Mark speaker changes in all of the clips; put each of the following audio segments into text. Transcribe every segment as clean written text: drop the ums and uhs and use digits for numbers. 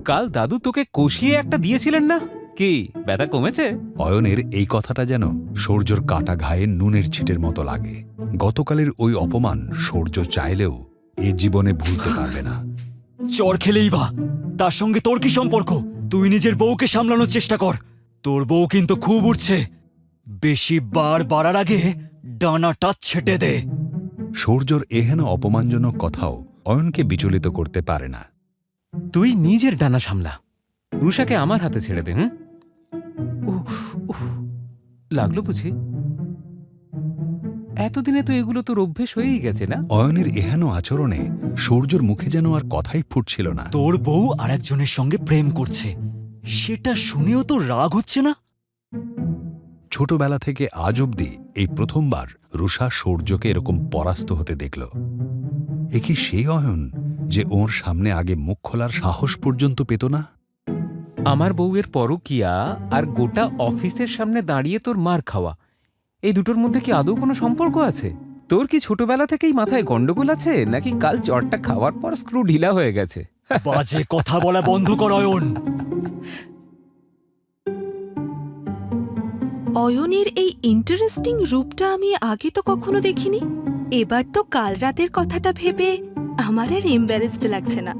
Speaker 1: কাল দাদু তোকে কষিয়ে একটা দিয়েছিলেন না, কি ব্যথা কমেছে?
Speaker 2: অয়নের এই কথাটা যেন সূর্যর কাটা ঘায়ে নুনের ছিটের মতো লাগে। গতকালের ওই অপমান সূর্য চাইলেও এ জীবনে ভুলতে পারবে না।
Speaker 3: চর খেলেই বা তার সঙ্গে তোর কি সম্পর্ক? তুই নিজের বউকে সামলানোর চেষ্টা কর। তোর বউ কিন্তু খুব উঠছে, বেশি বার বাড়ার আগে ডানাটা ছেটে দে।
Speaker 2: সূর্যর এহেন অপমানজনক কথাও অয়নকে বিচলিত করতে পারে না।
Speaker 1: তুই নিজের ডানা সামলা, রুষাকে আমার হাতে ছেড়ে দে। লাগলো বুঝি? এতদিনে তো এগুলো তোর অভ্যেস হয়েই গেছে না?
Speaker 2: অয়নের এহেন আচরণে সূর্যর মুখে যেন আর কথাই ফুটছিল না।
Speaker 3: তোর বউ আরেকজনের সঙ্গে প্রেম করছে, সেটা শুনেও তো রাগ হচ্ছে না?
Speaker 2: ছোটবেলা থেকে আজ অবধি এই প্রথমবার রুষা সূর্যকে এরকম পরাস্ত হতে দেখল। এ কি সেই অয়ন যে ওর সামনে আগে মুখ খোলার সাহস পর্যন্ত পেত না?
Speaker 1: আমার বউয়ের পরকিয়া আর গোটা অফিসের সামনে দাঁড়িয়ে তোর মার খাওয়া, এই দুটোর মধ্যে কি আদৌ কোনো সম্পর্ক আছে? তোর কি ছোটবেলা থেকেই মাথায় গন্ডগোল আছে, নাকি কাল জ্বরটা খাওয়ার পর স্ক্রু ঢিলা হয়ে গেছে?
Speaker 3: বাজে কথা বলা বন্ধ কর অয়ন।
Speaker 4: অয়নের এই ইন্টারেস্টিং রূপটা আমি আগে তো কখনো দেখিনি। এবার তো কাল রাতের কথাটা ভেবে আমার আর এম্বারেসড লাগছে না।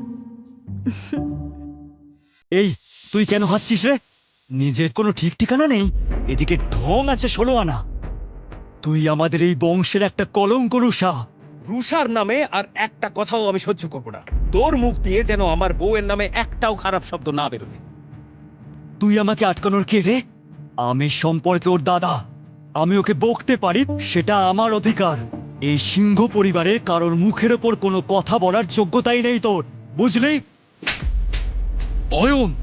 Speaker 3: এই তুই কেন হাসছিস রে? নিজের কোনো ঠিক ঠিকানা নেই, এদিকে ঢং আছে 16 আনা। তুই আমাদের এই বংশের একটা কলঙ্ক রুষা।
Speaker 1: রুষার নামে আর একটা কথাও আমি সহ্য করব না। তোর মুখ দিয়ে যেন আমার বউয়ের নামে একটাও খারাপ শব্দ না বেরোবে।
Speaker 3: তুই আমাকে আটকানোর কে রে? আমি সম্পর্কে ওর দাদা, আমি ওকে বকতে পারি, সেটা আমার অধিকার। এই সিংহ পরিবারের কারোর মুখের ওপর কোনো কথা বলার যোগ্যতাই নেই তোর, বুঝলি?
Speaker 1: অয়ন,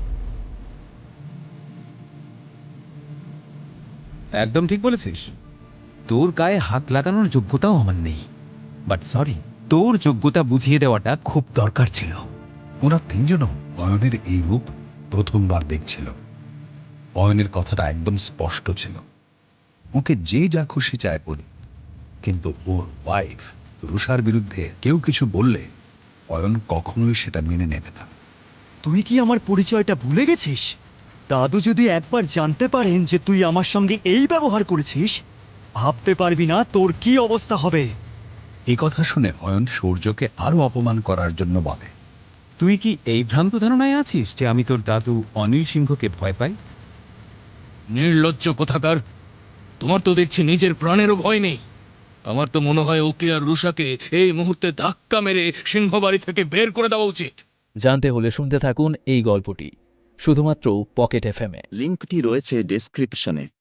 Speaker 1: একদম ঠিক বলেছিস। তোর গায়ে হাত লাগানোর যোগ্যতাও আমার নেই, বাট সরি, তোর যোগ্যতা বুঝিয়ে দেওয়াটা খুব দরকার ছিল।
Speaker 2: ওরা তিনজনও অয়নের এই রূপ প্রথমবার দেখছিল। অয়নের কথাটা একদম স্পষ্ট ছিল, ওকে যে যা খুশি চায় বলি, কিন্তু ওর ওয়াইফ রুষার বিরুদ্ধে কেউ কিছু বললে অয়ন কখনোই সেটা মেনে নেবে না।
Speaker 3: তুই কি আমার পরিচয়টা ভুলে গেছিস? দাদু যদি একবার জানতে পারেন যে তুই আমার সঙ্গে এই ব্যবহার করেছিস, ভাবতে পারবি না তোর কি অবস্থা হবে।
Speaker 2: এই কথা শুনে অয়ন সূর্যকে আরো অপমান করার জন্য বলে,
Speaker 1: তুই কি এই ভ্রান্ত ধারণায় আছিস যে আমি তোর দাদু অনিল সিংহকে ভয় পাই?
Speaker 5: নির্লজ্জ কোথাকার! তোমার তো দেখছি নিজের প্রাণেরও ভয় নেই। আমার তো মনে হয় ওকে আর রুষাকে এই মুহূর্তে ধাক্কা মেরে সিংহবাড়ি থেকে বের করে দেওয়া উচিত।
Speaker 6: জানতে হলে শুনতে থাকুন এই গল্পটি শুধুমাত্র পকেট এফএমে।
Speaker 7: লিঙ্কটি রয়েছে ডেসক্রিপশনে।